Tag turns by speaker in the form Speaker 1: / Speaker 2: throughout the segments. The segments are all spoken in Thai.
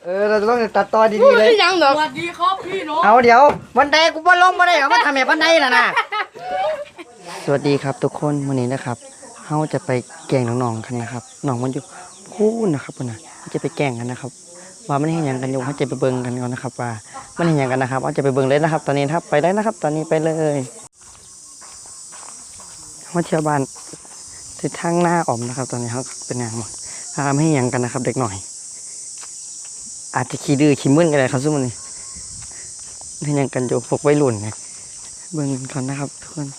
Speaker 1: เราจะต้องตัดต่อดีๆเลย
Speaker 2: ยังเหรอสวัสดีครับพี่น้อง
Speaker 1: เอาเดี๋ยวบันไดกูบ่ลงบ่ได้เอามาทำแบบบันไดน่ะนะสวัสดีครับทุกคนวันนี้นะครับเฮาจะไปแกล้งน้องๆกันนะครับน้องมันอยู่พูดนะครับพุ่นน่ะจะไปแกล้งกันนะครับว่ามันเห็นอย่างกันอยู่เขาจะไปเบิ่งกันก่อนนะครับว่ามันเห็นอย่างกันนะครับเอาจะไปเบิ่งเลยนะครับ ตอนนี้ครับไปได้นะครับ ตอนนี้ไปเลยมาเที่ยวบ้านที่ทางหน้าออมนะครับ ตอนนี้เขาเป็นอย่างมั้งไม่เห็นอย่างกันนะครับ เด็กหน่อยอาจจะขี้ดื้อขี้มึนกันเลยครับซุ่มนี่เห็นอย่างกันอยู่พวกวัยรุ่นไงเบิ่งกันก่อนนะครับทุกคน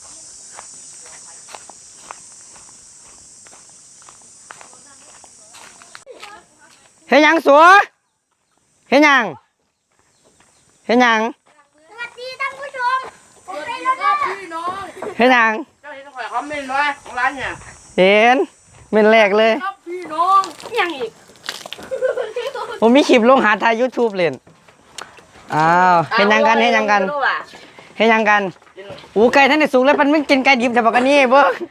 Speaker 1: เห็นยังสัวเห็นยังเห็นยัง
Speaker 3: สวัสดีท่านผู้ชมผมเป็นแล้วก็
Speaker 2: พี่น้อง
Speaker 1: เห็นยัง
Speaker 2: เจ้าเห็นข่อยคอมเมนต์ไว้ของร้านเนี่ย
Speaker 1: เห็นเป็นแรกเลย
Speaker 2: ครับพี่น้องยังอีก
Speaker 1: ผมมีคลิปลงหาทาย YouTube เล่นอ้าวเห็นยังกันเห็นยังกันเห็นยังกันอูไก่ท่านได้สูงแล้วมันไม่กินไก่ดิบแต่บอกกันนี่เบิ้ง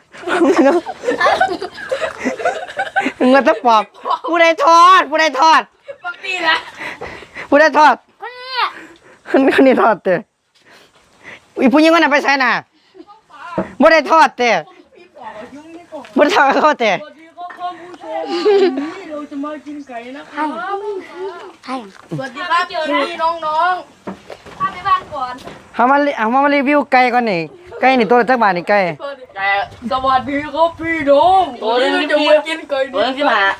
Speaker 1: เงินตะปอบผู้ใดทอดผู้ใดทอด
Speaker 2: ปกติละ
Speaker 1: ผู้ใดทอด
Speaker 3: คน
Speaker 1: นี้ทอดเตะอีผู้หญิงคนนั้นไปใส่น่ะผู้ใดทอดเตะผู้ใดทอดเขาเตะ
Speaker 2: สวัสดีครับท่านผู้ชมนี่เราจะมากินไก่นะครับ
Speaker 3: ใช่
Speaker 2: สวัสดีครับพี่น้องๆพาไปบ้านก่อน
Speaker 1: เอามารีวิวไก่ก่อนนี่ไก่นี่ตัวละจักบาทนี่ไก่
Speaker 2: แต่สวัสดีครับพี่น้องตัวนี้เราจะมากินไก่ตัวนึงที่มา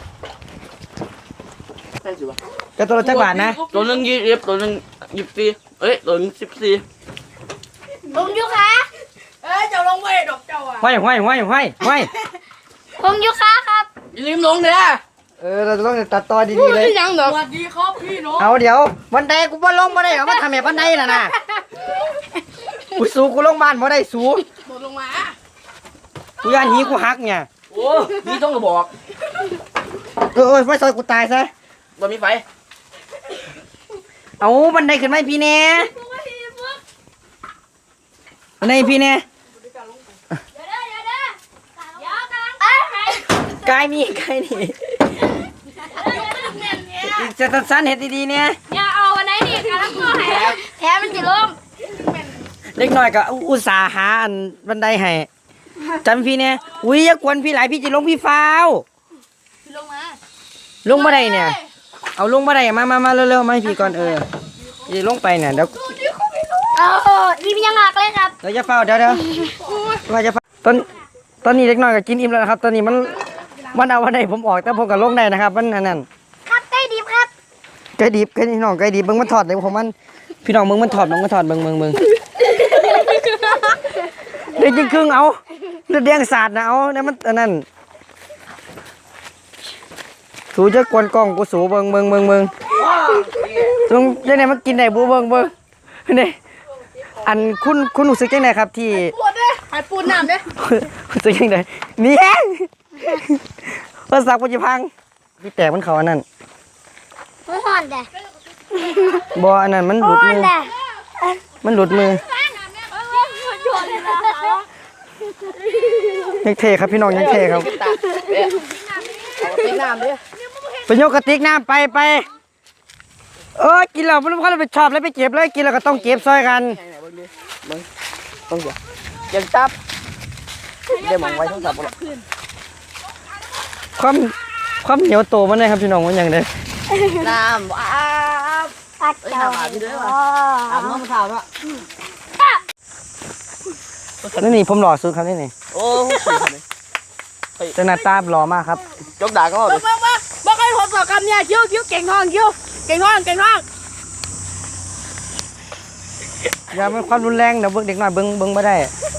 Speaker 1: ก็ตัวละจักบาทนะ
Speaker 2: ตัวนึง20ตัวนึง24เอ้ยตัวนึง14
Speaker 3: ผมยูค่ะ
Speaker 2: เจ้าลงไว้ดอกเจ้าอ่ะ
Speaker 1: ห้อย
Speaker 3: ผมยูค่ะครับ
Speaker 2: อย่าลืมลงเด้อ
Speaker 1: เราจะต้องตัดต่อดีๆเลย
Speaker 2: ยังเหรอสวัสดีครับพี่น้อง
Speaker 1: เอาเดี๋ยวบันไดกูบ่ลงบ่ได้เอามาทำแบบบันไดน่ะนะกูสูกูลงบ้านบ่ได้สู
Speaker 2: ตกลงมา
Speaker 1: กูย่านหีกูหักเนี่ย
Speaker 2: โอ้นี่ต้องกระบอก
Speaker 1: ไม่ซอยกูตายซะ
Speaker 2: บ่มีไฟ
Speaker 1: เอาบันไดขึ้นไหมพี่เน่บันไดพี่เน่กายนี่จะตัดสั้นเห็ดดีๆเนี่ย
Speaker 3: อย่าเอาวันไหนนี่การักตัวแถมมันจะล้ม
Speaker 1: เล็กน้อยก็อุตส่าห์หาอันบันไดให้จำพี่เนี่ยอุ้ยอย่ากวนพี่หลายพี่จะลงพี่ฟ้าวลงมาได้เนี่ยเอาลงมาได้มาเร็วๆมาให้พี่ก่อนจะลงไปเนี่ยเดี๋ยว
Speaker 3: นี่มันยังหักเลยครับ
Speaker 1: เดี๋ยวจะเฝ้าเดี๋ยวว่าจะตอนนี้เล็กน้อยก็กินอิ่มแล้วนะครับตอนนี้มันเอาวันไหนผมออกแต่ผมก็ลงได้นะครับมันนั่น
Speaker 3: ครับไก่ดิบครับ
Speaker 1: ไก่ดิบน้องไก่ดิบเบิ่งมันถอดเลยผมมันพี่น้องเบิ่งมันถอดเบิ่งเบิ่งเด็กจริงครึ่งเอาเลือดแดงสาดนะเอาเนี่ยมันนั่นสูจะกวนกล้องกูสูเบิ่งตรงยังไงมันกินได้บูเบิ่งนี่อันคุณรู้สึกยังไงครับที่
Speaker 2: หายปูนน้ำเด้
Speaker 1: รู้สึกยังไงนี่แห้งภาษาปุจิพังพี่แตกมันเขาอันนั้น
Speaker 3: มันห่อนแต่
Speaker 1: บ่อันนั้นมันหลุดมือยังเทครับพี่น้องยังเทครับไปโยกกระติกน้ำไปกินแล้วมันก็ไปชอบแล้วไปเก็บเลยกินแล้วก็ต้องเก็บซอยกัน
Speaker 2: ต้องเดี๋ยวยังจับได้มองไว้ทั้งสับหรอ
Speaker 1: ความเหนียวโตมันเลยครับพี่น้องมันยังได้
Speaker 2: น้ำ
Speaker 3: ปัดเจ้า
Speaker 2: อาบน้ำขาวละ
Speaker 1: นี่ผมหล่อสุดครับนี่
Speaker 2: โอ้
Speaker 1: จะหน้าตาหล่อมากครับ
Speaker 2: ยกด่าก็เลยบอกให้ผมสอบคำเนี่ยคิ้วเก่งทอง
Speaker 1: อย่าเป็นความรุนแรงเดี๋ยวเด็กหน่อยเบิ้งไม่ได้